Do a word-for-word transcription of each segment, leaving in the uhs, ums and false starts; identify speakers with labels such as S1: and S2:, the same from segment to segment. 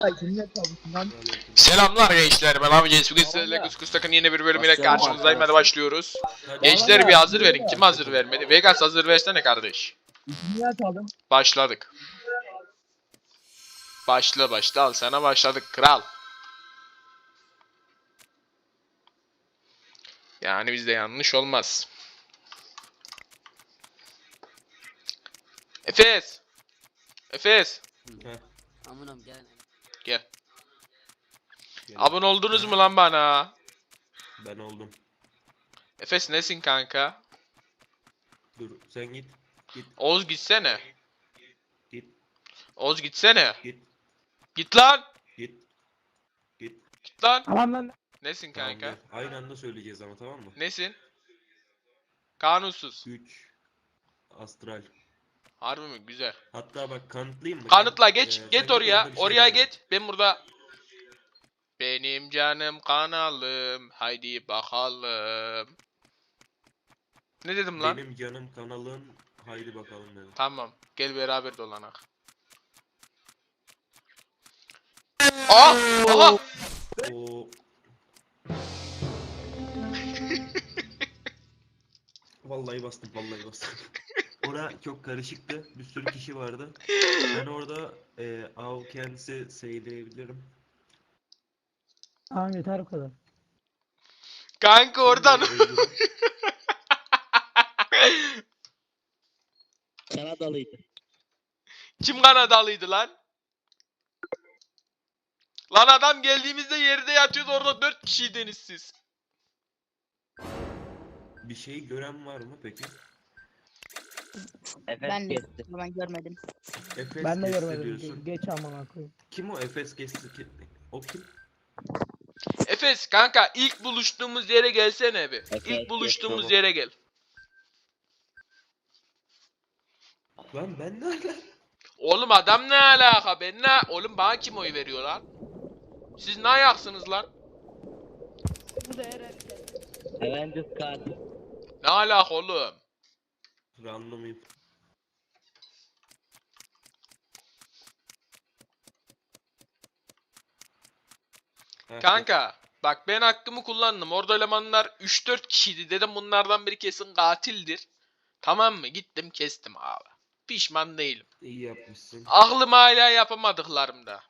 S1: Selamlar gençler, ben abi Genç. Bugün sizlerle Kuskus Tak'ın yeni bir bölümüyle karşınızdayım. Hadi başlıyoruz. Gençler bir hazır verin. Kim hazır vermedi? Vegas hazır versene kardeş. Başladık. Başla başla, al sana başladık kral. Yani bizde yanlış olmaz. Efes. Efes.
S2: Amunum gel.
S1: Gel. Abone oldunuz mu lan bana?
S3: Ben oldum.
S1: Efes nesin kanka?
S3: Dur sen git. Git.
S1: Oğuz gitsene.
S3: Git.
S1: Oğuz gitsene.
S3: Git.
S1: Git lan.
S3: Git. Git.
S1: Git lan.
S4: Tamam lan.
S1: Nesin
S3: Tamam,
S1: kanka?
S3: gel. Aynı anda söyleyeceğiz ama, tamam mı?
S1: Nesin? Kanunsuz.
S3: üç. Astral.
S1: Harbi mi? Güzel.
S3: Hatta bak kanıtlayayım mı?
S1: Kanıtla
S3: Gel.
S1: geç.
S3: Ee, sen
S1: Get
S3: git,
S1: oraya.
S3: orada bir şey
S1: Oraya
S3: diyeceğim.
S1: git. Ben burada. Benim canım kanalım. Haydi bakalım. Ne dedim lan?
S3: Benim canım kanalın. Haydi bakalım dedim.
S1: Tamam. Gel beraber dolanak. Aa! Aha!
S3: O. Vallahi bastım, vallahi bastım. Orada çok karışıktı. Bir sürü kişi vardı. Ben orada e, av kendisi seyleyebilirim.
S4: Tamam yeter o kadar.
S1: Kanka oradan.
S3: Öldürün.
S2: Kanadalıydı.
S1: Kim Kanadalıydı lan? Lan adam geldiğimizde yerde yatıyordu, orada dört kişiydiniz siz.
S3: Bir şey gören var mı peki?
S5: Ben de ben görmedim.
S3: Efes
S4: Ben de
S3: Kesti
S4: görmedim.
S3: diyorsun.
S4: Ge- Geç amına koyayım.
S3: Kim o Efes Kesti? Ki- O kim?
S1: Efes kanka ilk buluştuğumuz yere gelsene bir.
S2: Efes,
S1: İlk buluştuğumuz
S3: tamam.
S1: yere gel.
S3: Lan ben ne ala?
S1: Oğlum adam ne alaka, ben ne? Oğlum bana kim oy veriyor lan? Siz ne ayaksınız lan?
S4: Bu da Eren.
S2: Avengers katil.
S1: Ne alaka oğlum?
S3: Random info. Ha,
S1: Kanka bak ben hakkımı kullandım. Orada elemanlar üç dört kişiydi. Dedim bunlardan biri kesin katildir. Tamam mı? Gittim kestim abi. Pişman değilim.
S3: İyi yapmışsın.
S1: Aklım hala yapamadıklarımda.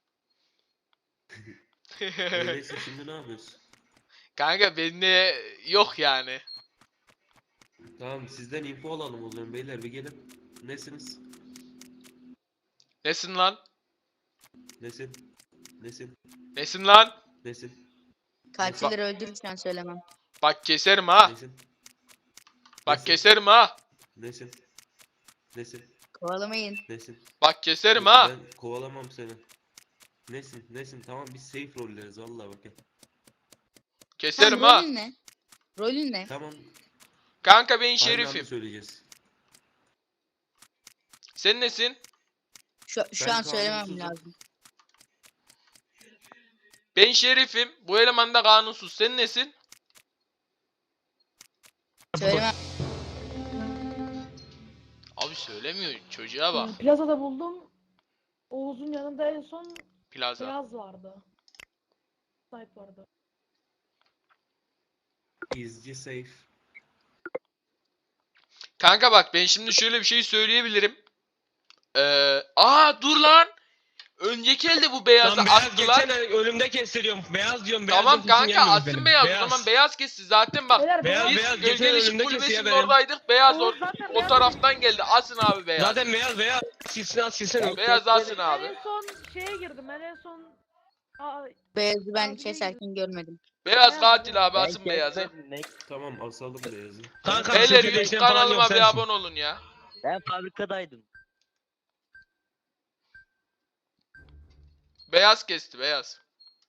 S3: Öyleyse şimdi ne yapıyorsun?
S1: Kanka bende yok yani.
S3: Tamam, sizden info alalım o zaman beyler, bir gelin. Nesiniz?
S1: Nesin lan?
S3: Nesin? Nesin?
S1: Nesin lan?
S3: Nesin?
S5: Katilleri öldürürken söylemem.
S1: Bak keserim ha.
S3: Nesin?
S1: Bak
S3: Nesin?
S1: keserim ha.
S3: Nesin? Nesin?
S5: Kovalamayın.
S3: Nesin?
S1: Bak keserim ha.
S3: Ben kovalamam seni. Nesin? Nesin? Tamam, biz safe rolleriz vallahi bak. ya.
S1: Keserim
S5: Sen
S1: ha.
S5: rolün ne? Rolün ne?
S3: Tamam.
S1: Kanka ben
S3: Aynı anda
S1: şerifim.
S3: söyleyeceğiz.
S1: Sen nesin?
S5: Şu, şu
S3: Ben
S5: an söylemem
S3: kanunsuzum.
S5: lazım.
S1: Ben şerifim. Bu eleman da kanunsuz. Sen nesin?
S5: Söylemem.
S1: Abi söylemiyor. Çocuğa bak.
S4: Plazada buldum. Oğuz'un yanında en son
S1: Plaza.
S4: Beyaz vardı. Snipe vardı.
S3: İzci safe.
S1: Kanka bak ben şimdi şöyle bir şey söyleyebilirim. Ee, aa dur lan. Önceki elde bu beyazı
S6: Lan beyaz
S1: attılar.
S6: geçen ay önümde kestiriyorum. Beyaz diyorum. Beyaz
S1: Tamam
S6: diyorum,
S1: kanka
S6: kimsin gelmiyoruz
S1: atsın
S6: benim.
S1: beyaz.
S6: Beyaz.
S1: O zaman beyaz kesti. Zaten bak.
S4: Beyler
S6: Beyaz,
S1: Biz
S6: beyaz. Geçen
S1: Gölgeli Işık
S6: önümde
S1: Kulübesi'nin
S6: kesiyor benim.
S1: oradaydık. Beyaz
S4: Oğuz
S1: or
S4: zaten
S1: o
S4: beyaz
S1: taraftan geldi. Asın abi beyaz.
S6: Zaten beyaz beyaz. Silsin al silsin.
S1: Beyaz asın
S4: Ben
S1: abi.
S4: en son şeye girdim. Ben en son Aa,
S5: Beyazı ben
S4: Abi,
S5: keserken görmedim.
S1: Beyaz katil abi asın beyazı.
S3: Tamam, asalım beyazı.
S6: Kanka
S1: Beyler
S6: şirket
S1: YouTube
S6: değiştiren falan yok
S1: kanalıma bir
S6: sensin.
S1: abone olun ya.
S2: Ben fabrikadaydım.
S1: Beyaz kesti beyaz.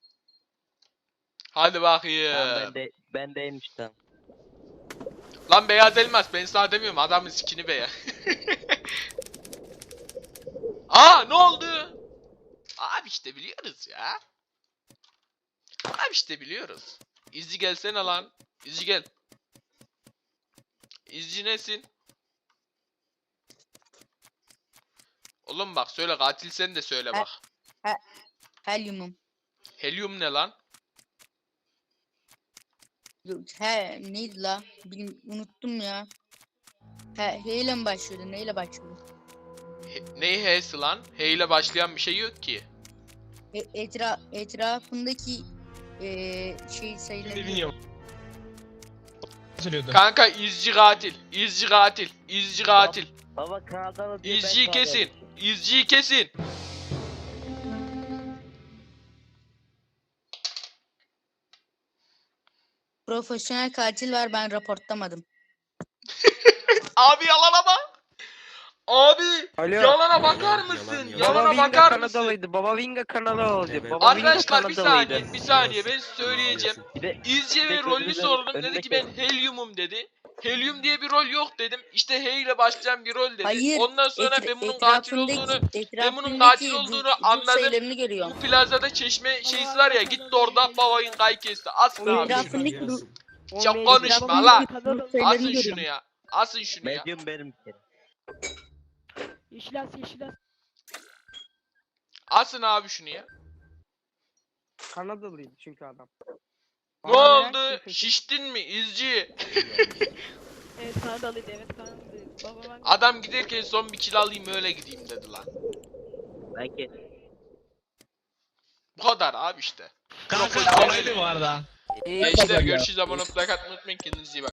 S1: Hadi bakayım.
S2: Tamam ben de ben deymiş tamam.
S1: Lan beyaz elmas ben sana demiyorum, adamın skini beyaz. Aa ne oldu? Abi işte biliyoruz ya. Abi işte biliyoruz. İzci gelsene lan. İzci gel. İzci nesin? Oğlum bak söyle, katil sen de söyle bak.
S5: Helyumum.
S1: Helyum ne lan?
S5: Yok, He neydi la? Bilim, unuttum ya. He, H ile mi başlıyordu? Neyle başlıyordu?
S1: He, ne H'si lan? H ile başlayan bir şey yok ki.
S5: E, etra etrafındaki eee şey
S6: Ne
S5: sayıları.
S6: bilmiyorum. Söylüyordu.
S1: Kanka izci katil. İzci katil. İzci katil.
S2: Baba Kanadalı diye ben
S1: İzciyi
S2: Kanadalı.
S1: kesin. İzciyi kesin.
S5: Profesyonel katil var, ben raportlamadım.
S1: Abi yalana bak. Abi
S7: Alo.
S1: yalana bakar
S3: Yalan,
S1: mısın?
S3: yalan, yalan.
S7: Baba
S1: Yalana
S7: Vinga
S1: bakar mısın?
S7: Kanadalıydı. Baba Vinga Kanadalı
S3: Evet.
S7: Baba Vinga
S1: Arkadaşlar bir
S7: Kanadalıydı.
S1: saniye, bir saniye ben söyleyeceğim.
S2: Bir de
S1: İzci ve
S2: Peki,
S1: rolünü
S2: önünde-
S1: sordum, dedi
S2: önünde
S1: ki ben
S2: kes.
S1: helyumum dedi. Helyum diye bir rol yok dedim. İşte H ile başlayan bir rol dedi.
S5: Hayır.
S1: Ondan sonra
S5: etra-
S1: ben bunun katil
S5: etrafındaki-
S1: olduğunu, ben bunun
S5: etrafındaki
S1: katil
S5: gu-
S1: olduğunu
S5: güç
S1: anladım.
S5: sayılarını görüyorum.
S1: Bu plazada çeşme şeysi var ya, gitti orada babayın kay kesti. Asın
S5: Oğlum,
S1: abi.
S5: etrafındaki
S3: Şuradan
S5: ru-
S3: yarasın.
S1: Çok konuşma la.
S4: Kanadalı.
S5: Güç sayılarını
S1: Asın
S5: görüyorum.
S1: şunu ya. Asın şunu ya.
S2: Medium benim bir kere.
S4: Yeşil as yeşil as.
S1: Asın abi şunu ya.
S7: Kanadalıydı çünkü adam.
S1: Ne
S7: Bana merak
S1: oldu?
S7: ettim peki.
S1: Şiştin mi izci?
S4: Evet Kanadalıydı evet Kanadalıydı. Baba ben
S1: Adam giderken son bir kill alayım öyle gideyim dedi lan.
S2: Belki.
S1: Bu kadar abi işte.
S6: Kanka
S1: Profesyonel.
S6: kolaydı bu arada.
S7: İyi
S1: Gençler
S7: baba ya.
S1: görüşürüz. Abone olmayı, like atmayı unutmayın. Kendinize iyi bakın.